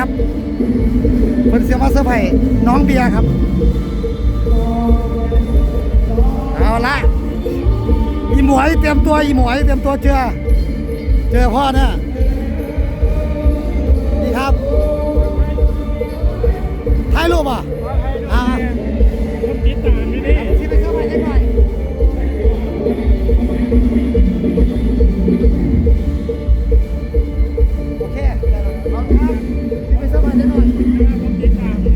ครับเพิ่นเสียมาเซอร์ไพรส์น้องเบียร์ครับเอาละอีหมวยเตรียมตัวอีหมวยเตรียมตัวเจอพ่อเนี่ยนี่ครับถ่ายรูปอ่ะคนติดตามไม่ได้ที่ไปเซอร์ไพรส์ได้หน่อยโอเคได้แล้วเอาครับที่ไปเซอร์ไพรส์ได้หน่อยคนติดตาม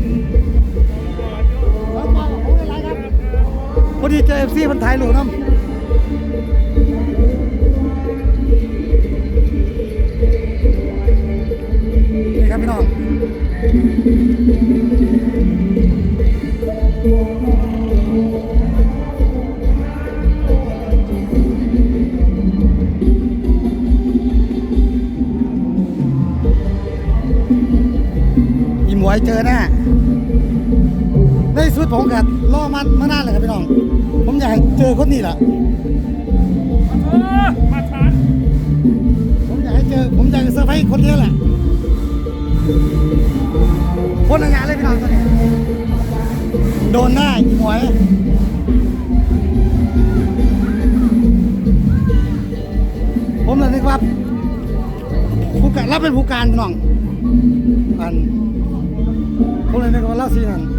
พอดีเจอเอฟซีมันถ่ายรูปน้ำนี่ครับพี่น้องอีหมวยเจอแน่ในสุดผมกับรอมันมานานเลยครับพี่น้องผมอยากเจอคนนี้แหละมาชันผมอยากให้เจอผมอยากจะเซอร์ไพรส์คนนี้แหละคนละงานเลยพี่น้องตอนนี้โดนหน้าอีหมวยผมเลยนึกว่าผู้การรับเป็นผู้การพี่น้องผมเลยนึกว่าเล่าซีนั่น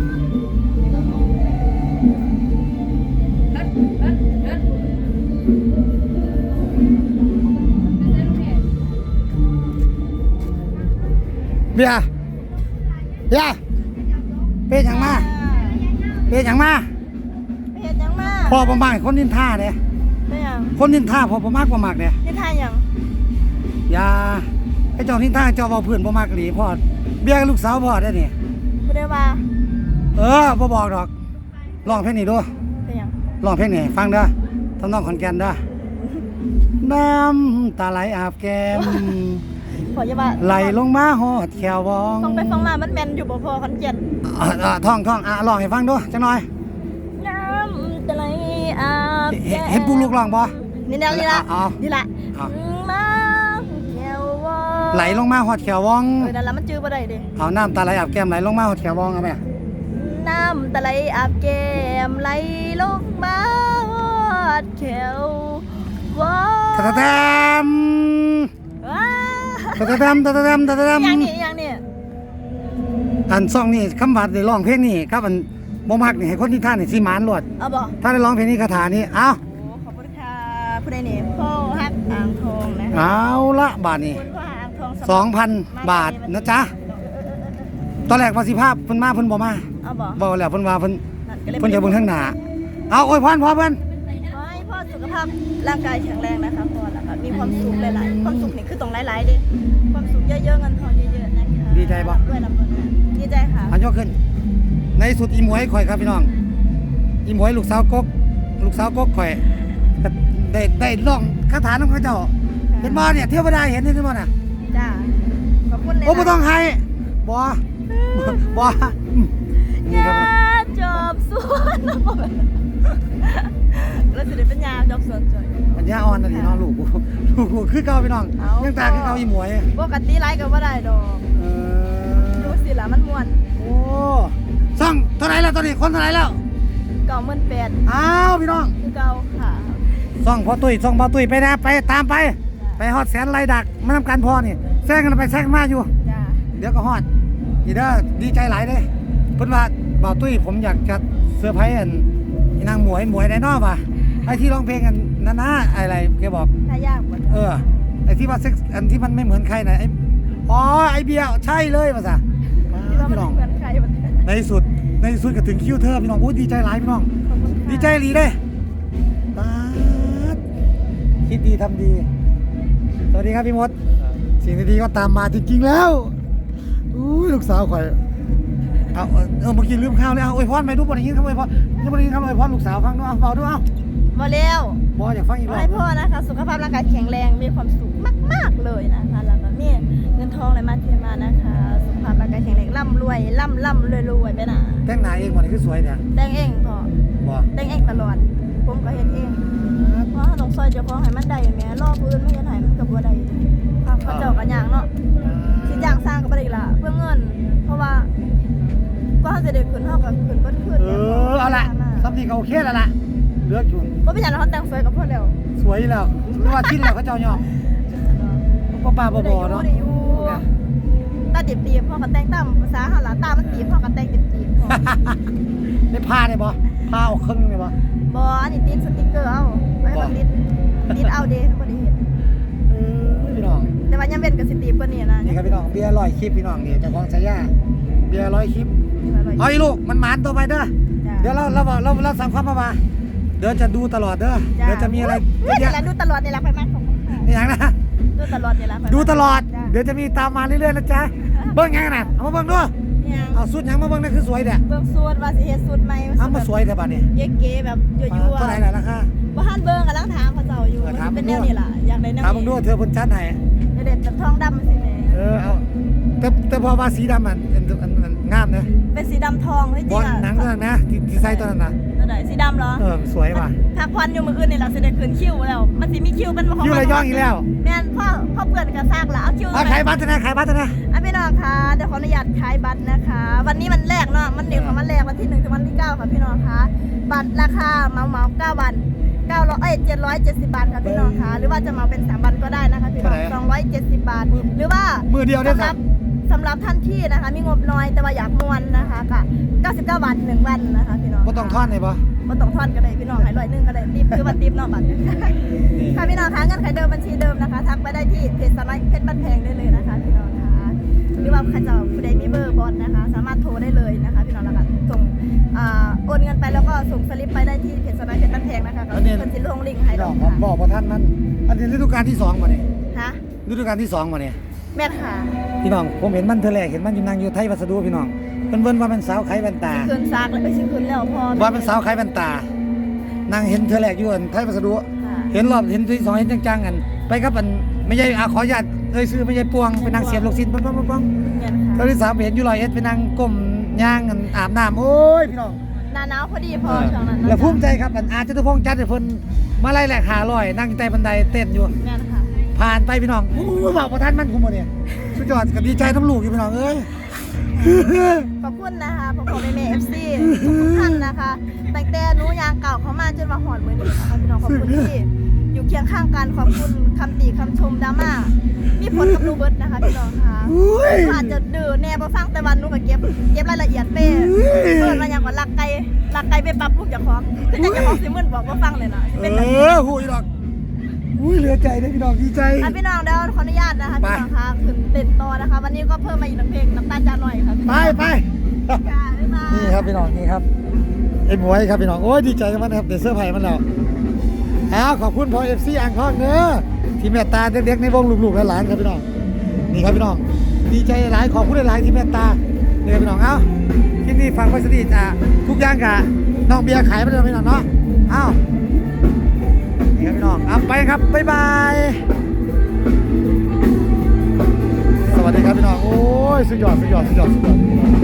เบียร์เป็นอย่างมาพอประมาณคนนินท่าเนี่ยคนนินท่าพอประมากประมากเนี่ยนินท่าอย่างอย่าไอ้เจ้านินท่าเจ้าเบาเพื่อนประมากหลีพ่อเบียร์ลูกสาวพ่อได้เนี่ยพูดได้ว่าบ่บอกดอกร้องเพลงนี้ด้วยร้องเพลงนี้ฟังเด้อทำนองขอนแก่นเด้อน้ำตาไหลอาบแก้มไหลลงมาหอดแขววองฟังไปฟังมามันแมนอยู่บ่พอขอนแก่นท่องลองให้ฟังด้วยจังหน่อยน้ำตาไหลอาบแก้มเห็นปุ๊กลูกร้องบ่นี่ละมาแขววองไหลลงมาหอดแขววองนั่นละมันจื้อบ่ได้ดิเอาน้ำตาไหลอาบแก้มไหลลงมาหอดแขววองเอาไหมน้ำตาไหลอาบแก้มไหลลงมาหอดแขววองตะแตมอย่างนี้อันซ่องนี่คำว่าได้ร้องเพลงนี่ครับอันบ่มักนี่ให้คนที่ท่านนี่สิหมานรวดเอาบ่ถ้าได้ร้องเพลงนี้คาถานี้เอาขอบคุณค่ะผู้ใดนี่พ่อฮักอ่างทองนะเอาละบาทนี่ 2,000 บาทนะจ๊ะตอนแรกว่าสิภาพเพิ่นมาเพิ่นบ่มาบ่แล้วเพิ่นว่าเพิ่นจะเบิ่งทางหน้าเอาอวยพรพ่อเพิ่นขอให้พ่อสุขภาพร่างกายแข็งแรงนะคะพ่อแล้วก็มีความสุขหลายๆความสุขนี่คือต้องหลายๆดิความสุขเยอะๆเงินทองเยอะๆนะคะดีใจบ่ด้วยลำบากดีใจค่ะอันยกขึ้นในสุดอีหมวยข่อยครับพี่น้องอีหมวยลูกสาวกกข่อยได้ร้องคาถาน้องเขาเจ้าเห็นบ่เนี่ยเทวดาเห็นนี่บ่น่ะจ้าขอบคุณเลยโอ้บ่ต้องให้บ่ยาจอบสวนแล้วสิได้เป็นยาจอบสวนจ่อยปัญญาอ่อนน่ะนี่น้องลูกคือเก่าพี่น้องยังตาคือเก่าอีหมวยปกติไลฟ์ก็บ่ได้ดอกดูสิล่ะมันม่วนโอ้ซ่องเท่าไหร่แล้วตอนนี้คนเท่าไหร่แล้ว 98,000 อ้าวพี่น้องคือเก่าค่ะซ่องพ่อตุ้ยซ่องพ่อตุ้ยไปนะไปตามไปฮอดแสนไล่ดักมาทำการพอนี่แซงกันไปแซงมาอยู่เดี๋ยวก็ฮอดอีเด้อดีใจหลายเลยเพิ่นว่าบ่าวตุ้ยผมอยากจะเซอร์ไพรส์นางหมวยได้นอป่ะไอ้ที่ร้องเพลงกันนะอะไรแกบอกถ้ายากกว่าไอ้ที่ว่าเซ็กอันที่มันไม่เหมือนใครนะไอ้เบียร์ใช่เลยป่ะจ๊ะพี่น้องในสุดก็ถึงคิวเธอพี่น้องโอ้ดีใจหลายพี่น้องดีใจหลีเลยตาคิดดีทำดีสวัสดีครับพี่มดสิ่งดีๆก็ตามมาจริงๆแล้วลูกสาวข่อยเอาเมื่อกี้ลืมข้าวเลยเอาอวยพรไปดูบ่ได้ยินคำอวยพรยังบ่ได้ยินคำอวยพรลูกสาวฟังด้วยเอาเบาด้วยเอาบ่เร็วบ่อยากฟังอีกรอบให้พ่อนะคะสุขภาพร่างกายแข็งแรงมีความสุขมากๆเลยนะคะแล้วก็มีเงินทองไหลมาเทมานะคะสุขภาพร่างกายแข็งแรงร่ำรวยรวยไปนะแต่งหน้าเองบ่นี่คือสวยเนี่ยแต่งเองพ่อบ่แต่งเองตลอดผมก็เฮ็ดเองเพราะต้องซอยเจ้าของให้มันได้แม่รอผู้อื่นไม่เฮ็ดให้มันก็บ่ได้เขาเจ้าก็ย่างเนาะสิจ้างสร้างก็บ่ได้ล่ะเพื่อเงินเด็จขึ้นเท่ากับขึ้นเบิ้ลขึ้นเอาละซัมนี่ก็โอเคแล้วล่ะเลือกอยู่ก็ไม่อยากให้เขาแต่งสวยกับพ่อแล้วสวยแล้วไม่ว่าทิ้นแล้วเขาเจ้ายอมป้าบอเนาะตาตีบพ่อกับแต่งตามภาษาหาลาตามันตีบพ่อกับแต่งตีบพ่อได้ผ้าได้บ่ผ้าออกครึ่งได้บ่บออันนี้ติดสติ๊กเกอร์เอาไว้ให้มันติดเอาเดย์ทุกคนได้เห็นพี่น้องแต่ว่ายังเป็นกับสตีบกว่านี้นะนี่ครับพี่น้องเบียร์100คลิปพี่น้องนี่เจ้าของฉายาเบียร์100คลิปเอาอีลูกมันหมานตัวไปเด้อเดี๋ยวเราสั่งความมาเดี๋ยวจะดูตลอดเด้อเดี๋ยวจะมีอะไรนี่แหละดูตลอดนี่แหละไปมากของนี่อย่างนะดูตลอดนี่แหละดูตลอดเดี๋ยวจะมีตามมาเรื่อยๆนะจ๊ะเบิ้งยังน่ะเอามาเบิ้งด้วยเนี่ยเอาสุดยังมาเบิ้งนั่นคือสวยเด้อเบิ่งสูตรว่าสิเฮ็ดสูตรใหม่เอามาสวยเด้อบัดนี้เก๋ๆแบบยั่วๆเท่าไหร่ล่ะราคาบ่ทันเบิ่งกำลังถามเขาเจ้าอยู่เป็นแนวนี้ล่ะอยากได้แนวถามมึงดูเธอเพิ่นจัดให้เด็ดแบบทองดำสิแม่เอาแต่พอว่าสีดำมันงามนะเป็นสีดำทองที่จบริอง ลอ่ะหนังตัวนั้นนะที่ใส่ตัวนั้นนะตัวไหนสีดำเหรอสวยว่ะพักผ่อนอยู่มื้ออื่นนี่ล่ะสิได้คืนคิวแล้วมันสิมีคิวเป็นของอยู่ระยองอีกแล้วแม่นพ่อเพื่อนก็ซากละเอาคิวขายบัตรนะขายบัตรนะพี่น้องคะเดี๋ยวขออนุญาตขายบัตรนะคะ วันนี้มันแรกเนาะมันเด็กของมันแรกวันที่1ถึงวันที่9ค่ะพี่น้องคะบัตรราคาเหมา9 วัน770 บาทค่ะพี่น้องคะหรือว่าจะเหมาเป็น3วันก็ได้นะคะพี่น้อง270 บาทหรือว่ามือเดียวได้ครับสำหรับท่านที่นะคะมีงบน้อยแต่ว่าอยากมวนนะคะก็99 บาท1วันนะคะพี่น้องบ่ต้องทอนเลยปะบ่ต้องทอนก็ได้พี่น้องให้100ก็ได้ติปคือว่าติปเนาะบัตรค่ะพี่น้องคะเงื่อนไขเดิมบัญชีเดิมนะคะทักไปได้ที่เพจสไลด์เพชรบ้านแพงได้เลยนะคะพี่น้องคะหรือว่าใครจะผู้ใดมีเบอร์บอสนะคะสามารถโทรได้เลยนะคะพี่น้องแล้วก็ส่งโอนเงินไปแล้วก็ส่งสลิปไปได้ที่เพจสไลด์เพชรบ้านแพงนะคะก็คนสิลงลิงก์ให้พี่ดน้อองกผมค่ะบอกท่านมันอันนี้ฤดูกาลที่2มาเนี่ยฮะฤดูกาลที่2มาเนี่ยแม่ค่ะพี่น้องผมเห็นมันเธอแรกเห็นมันอยู่นางอยู่ไทยวัสดุพี่น้องเป็นเวิ้นว่าเป็นสาวไขแว่นตาคืนซากแล้วไปซื้อคืนแล้วพอว่าเป็นสาวไขแว่นตานางเห็นเธอแรกอยู่อันไทยวัสดุค่ะเห็นรอบเห็นที่2เห็นจังๆกันไปครับอันไม่ใช่ขออนุญาตซื้อไม่ใช่ปวงเป็นนางเสียบลูกศิษย์ปังแม่ค่ะตอนที่3เห็นอยู่100เป็นนางก้มย่างกันอาบน้ำโอ้ยพี่น้องหน้าหนาวพอดีพอช่วงนั้นแล้วภูมิใจครับอันอาจจะทุพงษ์จัดให้เพิ่นมาไล่แหลก500นั่งใต้บันไดเต้นอยู่แม่ค่ะผ่านไปพี่น้องบอกประท่านมันคุมบ่เนี่ยสุดยอดกับดีใจทั้งลูกอยู่พี่น้องเอ้ยขอบคุณนะคะพ่อแม่เอฟซีทุกท่านนะคะตั้งแต่หนูยางเก่าเขามาจนมาหอดมือนี้นะคะพี่น้องขอบคุณที่อยู่เคียงข้างกันขอบคุณคำติคำชมดราม่ามีผลกับนูเบิร์ตนะคะพี่น้องค่ะอาจจะดื้อแน่พอฟังแต่วันหนูก็เก็บรายละเอียดเป้เปิดมาอย่างว่าลักไก่ไปปรับปรุงจากของคือจะของสิมึนบอกว่าฟังเลยนะเป็นแบบหูยดอกอุ้ยเหลือใจได้พี่น้องดีใจพี่น้องเดี๋ยวขออนุญาตนะคะพี่น้องค่ะขึ้นเต้นต่อนะคะ วันนี้ก็เพิ่มมาอีก1เพลงน้ำตาลจานหน่อยค่ะไปค่ะบ๊ายบายนี่ครับพี่น้องนี่ครับไอ้หมวยครับพี่น้องโอ้ยดีใจกับมันครับเดี๋ยวเสื้อร์ไผ่มันแล้วขอบคุณพอ FC อ่างทองเนื้อที่เมตตาเด็กๆในวงลูกๆหลานๆครับพี่น้องนี่ครับพี่น้องดีใจหลายขอบคุณหลายที่เมตตาเนี่ยพี่น้องที่นี่ฟังไว้สนิททุกอย่างกะน้องเบียร์ขายไปเลยพี่น้องเนาะนี่ครับพี่น้องไปครับบ๊ายบายสวัสดีครับพี่น้องโอ้ยสุดยอด